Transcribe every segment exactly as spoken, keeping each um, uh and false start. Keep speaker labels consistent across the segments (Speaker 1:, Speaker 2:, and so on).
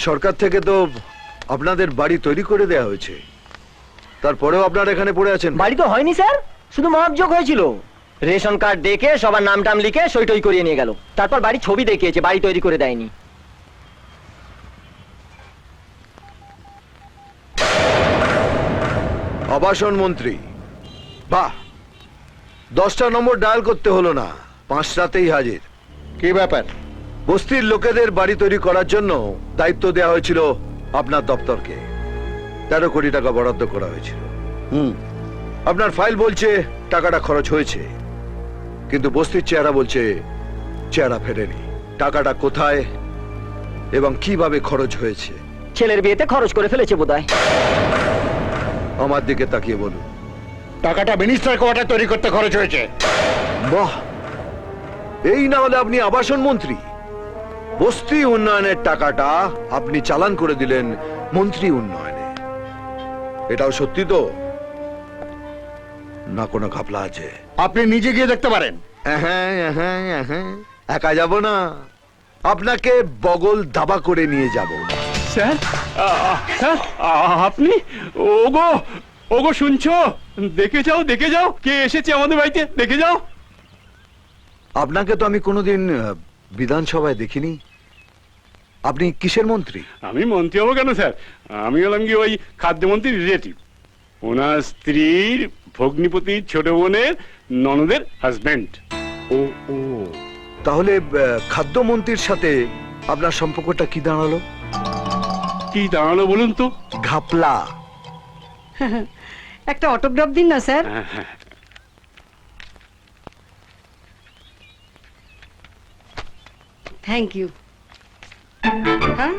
Speaker 1: সরকার থেকে তো আপনাদের বাড়ি তৈরি করে দেয়া হয়েছে, তারপরেও আপনারা এখানে পড়ে আছেন।
Speaker 2: বাড়ি তো হয়নি স্যার, শুধু মহাবযোগ হয়েছিল। রেশন কার্ড দেখে সবার নাম টাম লিখে সই টই করিয়ে নিয়ে গেল, তারপর বাড়ি ছবি দেখিয়েছে, বাড়ি তৈরি করে দেয়নি।
Speaker 1: আবাসন মন্ত্রী, বাহ, দশটা নম্বর ডায়াল করতে হলো না, পাঁচটাতেই হাজির।
Speaker 3: কি ব্যাপার?
Speaker 1: বস্তির লোকেদের বাড়ি তৈরি করার জন্য দায়িত্ব দেওয়া হয়েছিল আপনার দপ্তরকে। তেরো কোটি টাকা বরাদ্দ করা হয়েছিল।
Speaker 3: হুম,
Speaker 1: আপনার ফাইল বলছে টাকাটা খরচ হয়েছে, কিন্তু বস্তির চেহারা বলছে চেহারা ফেরেনি। টাকাটা কোথায় এবং কিভাবে খরচ হয়েছে
Speaker 2: ছেলের বিয়েতে খরচ করে ফেলেছে বোধহয়।
Speaker 1: আমার দিকে তাকিয়ে বলুন।
Speaker 3: টাকাটা মিনিস্টার কোয়ার্টার তৈরি করতে খরচ হয়েছে।
Speaker 1: বাহ, এই না হলে আপনি আবাসন মন্ত্রী। বস্তি উন্নয়নের টাকাটা আপনি চালান করে দিলেন মন্ত্রী উন্নয়নে। এটাও সত্যি তো না কোনো ঘাপলা আছে?
Speaker 3: আপনি নিজে গিয়ে দেখতে পারেন।
Speaker 1: হ্যাঁ হ্যাঁ হ্যাঁ, একা যাব না, আপনাকে বগল দাবা করে নিয়ে যাব।
Speaker 4: স্যার, আ- স্যার, আ- আপনি ওগো ওগো শুনছো? দেখে যাও, দেখে যাও কে এসেছে আমাদের বাড়িতে, দেখে যাও।
Speaker 1: আপনাকে তো আমি কোনোদিন আহ, বিধানসভায় দেখিনি। আপনি কিসের মন্ত্রী?
Speaker 4: আমি মন্ত্রী হবো কেন স্যার? আমি হলাম কি ওই খাদ্যমন্ত্রীর রিলেটিভ, ওনার স্ত্রীর ভগ্নিপতির ছোট বোনের ননদের হাজবেন্ড।
Speaker 1: ও ও, তাহলে আহ, খাদ্যমন্ত্রীর সাথে আপনার সম্পর্কটা কি দাঁড়ালো?
Speaker 4: কি দাঁড়ালো বলুন তো?
Speaker 1: ঘাপলা।
Speaker 5: একটা অটোগ্রাফ দিন না স্যার।
Speaker 4: হ্যাঁ, হ্যাঁ।
Speaker 5: Thank you. হ্যাঁ,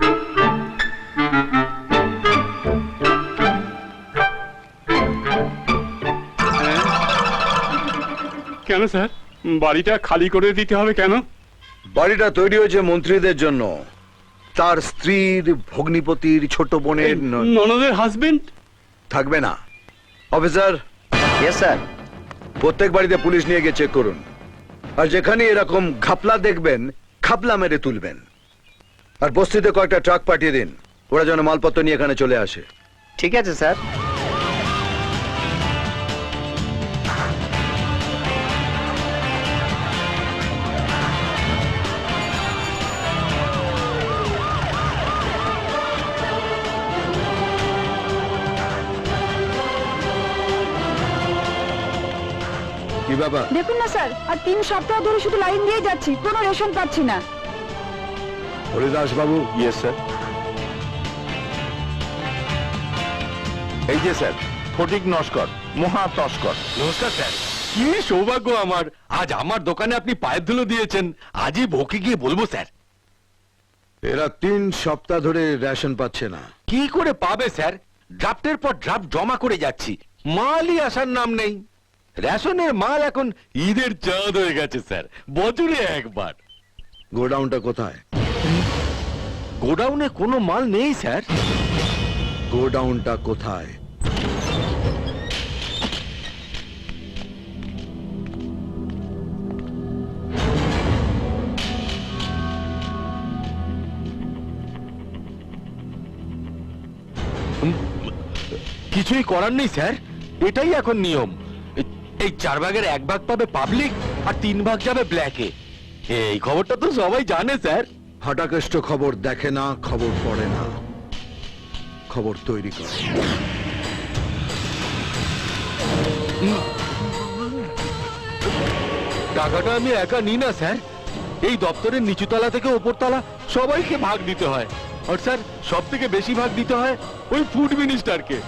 Speaker 4: কেন স্যার, বাড়িটা খালি করে দিতে হবে কেন?
Speaker 1: বাড়িটা তৈরি হয়েছে মন্ত্রীদের জন্য, তার স্ত্রীর ভগ্নিপতির ছোট বোনের ন-
Speaker 4: ননদের হাজবেন্ড।
Speaker 1: থাকবে না। Officer,
Speaker 2: yes sir.
Speaker 1: প্রত্যেক বাড়িতে পুলিশ নিয়ে গিয়ে চেক করুন, আর যেখানে এরকম ঘাপলা দেখবেন খাপলা মেরে তুলবেন। আর বস্তিতে কয়েকটা ট্রাক পাঠিয়ে দিন, ওরা যেন মালপত্র নিয়ে এখানে চলে আসে।
Speaker 2: ঠিক আছে স্যার।
Speaker 1: কি বাবা?
Speaker 6: দেখুন না স্যার, আর তিন সপ্তাহ ধরে শুধু লাইন দিয়ে যাচ্ছি, কোনো রেশন পাচ্ছি না।
Speaker 1: হরিদাস বাবু।
Speaker 7: Yes sir. এই যে স্যার, ফটিক নস্কর, মহা তস্কর।
Speaker 8: নমস্কার স্যার, কি সৌভাগ্য আমার, আজ আমার দোকানে আপনি পায়ের ধুলো দিয়েছেন। আজই ভোকে গিয়ে বলবো স্যার।
Speaker 1: এরা তিন সপ্তাহ ধরে রেশন পাচ্ছে না।
Speaker 8: কি করে পাবে স্যার? ড্রাফটের পর ড্রাফট জমা করে যাচ্ছি, মালই আসার নাম নেই। রেশনের মাল এখন ঈদের চাঁদ হয়ে গেছে স্যার, বছরে একবার।
Speaker 1: গোডাউনটা কোথায়?
Speaker 8: গোডাউনে কোনো মাল নেই স্যার।
Speaker 1: গোডাউনটা কোথায়?
Speaker 8: কিছুই করার নেই স্যার, এটাই এখন নিয়ম। এ- এই চার ভাগের এক ভাগ পাবে পাবলিক, আর তিন ভাগ যাবে ব্ল্যাকে। এই খবরটা তো সবাই জানে স্যার।
Speaker 1: হাটাকেষ্ট খবর দেখে না, খবর পড়ে না, খবর তৈরি করে।
Speaker 8: টাকাটা আমি একা নিই না স্যার, এই দপ্তরের নিচুতলা থেকে ওপরতলা সবাইকে ভাগ দিতে হয়। আর স্যার, সব থেকে বেশি ভাগ দিতে হয় ওই ফুড মিনিস্টারকে।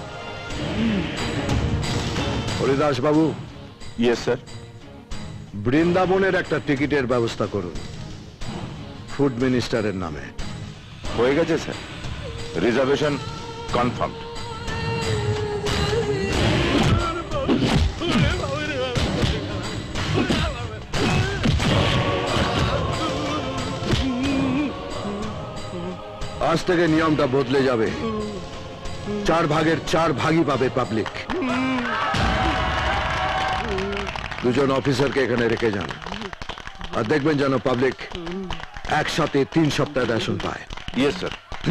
Speaker 1: হরিদাস বাবু,
Speaker 7: ইয়েস স্যার।
Speaker 1: বৃন্দাবনের একটা টিকিটের ব্যবস্থা করুন ফুড মিনিস্টারের নামে।
Speaker 7: হয়ে গেছে স্যার, রিজার্ভেশন কনফার্ম।
Speaker 1: আজ থেকে নিয়মটা বদলে যাবে, চার ভাগের চার ভাগই পাবে পাবলিক। দুজন অফিসারকে এখানে রেখে যান, আর দেখবেন যেন পাবলিক একসাথে তিন সপ্তাহ রেশন পায়।
Speaker 7: Yes sir.